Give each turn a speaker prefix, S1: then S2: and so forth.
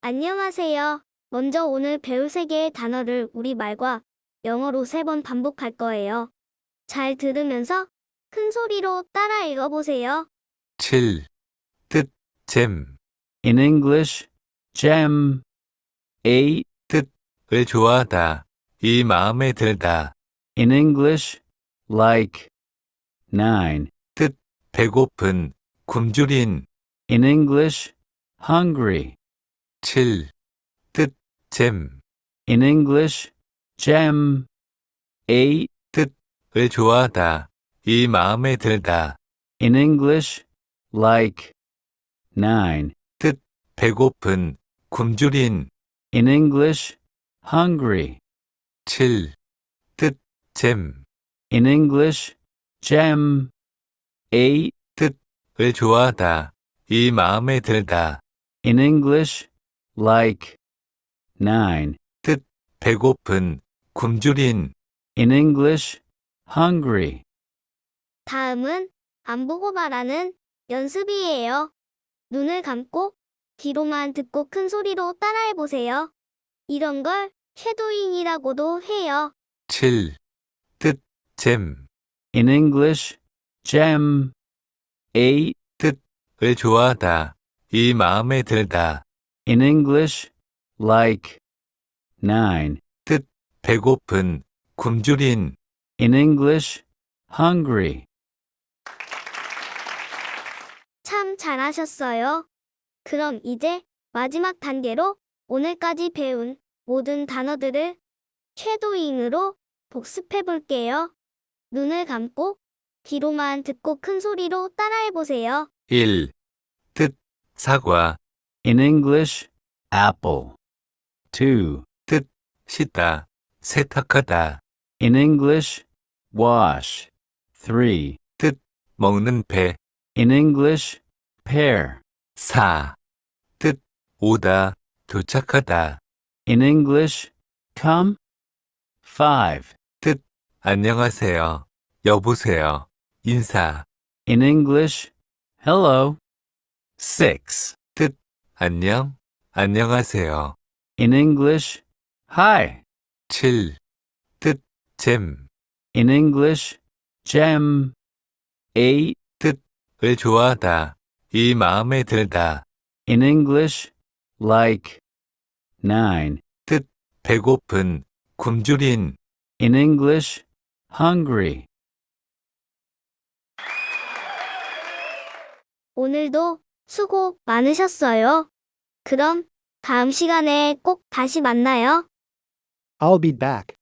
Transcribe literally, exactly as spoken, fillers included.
S1: 안녕하세요. 먼저 오늘 배울 세 개의 단어를 우리말과 영어로 세 번 반복할 거예요. 잘 들으면서 큰 소리로 따라 읽어보세요.
S2: 칠. 뜻, 잼.
S3: In English, gem. eight.
S2: 뜻을 좋아하다. 이 마음에 들다.
S3: In English, like. nine.
S2: 배고픈, 굶주린.
S3: In English, hungry.
S2: 칠. 뜻, 잼.
S3: In English, gem. eight.
S2: 뜻을 좋아하다. 이 마음에 들다.
S3: In English, like. nine.
S2: 배고픈, 굶주린.
S3: In English, hungry.
S2: 칠. 뜻, 잼.
S3: In English, gem. eight.
S2: 뜻을 좋아하다. 이 마음에 들다.
S3: In English, like. nine.
S2: 배고픈, 굶주린.
S3: In English, hungry.
S1: 다음은 안 보고 말하는 연습이에요. 눈을 감고 귀로만 듣고 큰 소리로 따라해보세요. 이런 걸 쉐도잉이라고도 해요.
S2: 칠. 뜻, 잼.
S3: In English, gem. eight.
S2: 을 좋아하다. 이 마음에 들다.
S3: In English, like. nine.
S2: 배고픈, 굶주린.
S3: In English, hungry.
S1: 참 잘하셨어요. 그럼 이제 마지막 단계로 오늘까지 배운 모든 단어들을 쉐도잉으로 복습해 볼게요. 눈을 감고 귀로만 듣고 큰 소리로 따라해 보세요.
S2: 일. 뜻, 사과.
S3: In English, apple. two.
S2: 씻다, 세탁하다.
S3: In English, wash. three.
S2: 먹는 배.
S3: In English, pear.
S2: 사. 뜻, 오다, 도착하다.
S3: In English, come. five.
S2: 안녕하세요. 여보세요. 인사.
S3: In English, hello.
S2: six. 뜻, 안녕, 안녕하세요.
S3: In English, hi.
S2: 칠. 뜻, 잼.
S3: In English, gem. eight.
S2: 을 좋아하다. 이 마음에 들다.
S3: In English, like. nine.
S2: 배고픈, 굶주린.
S3: In English, hungry.
S1: 오늘도 수고 많으셨어요. 그럼 다음 시간에 꼭 다시 만나요.
S4: I'll be back.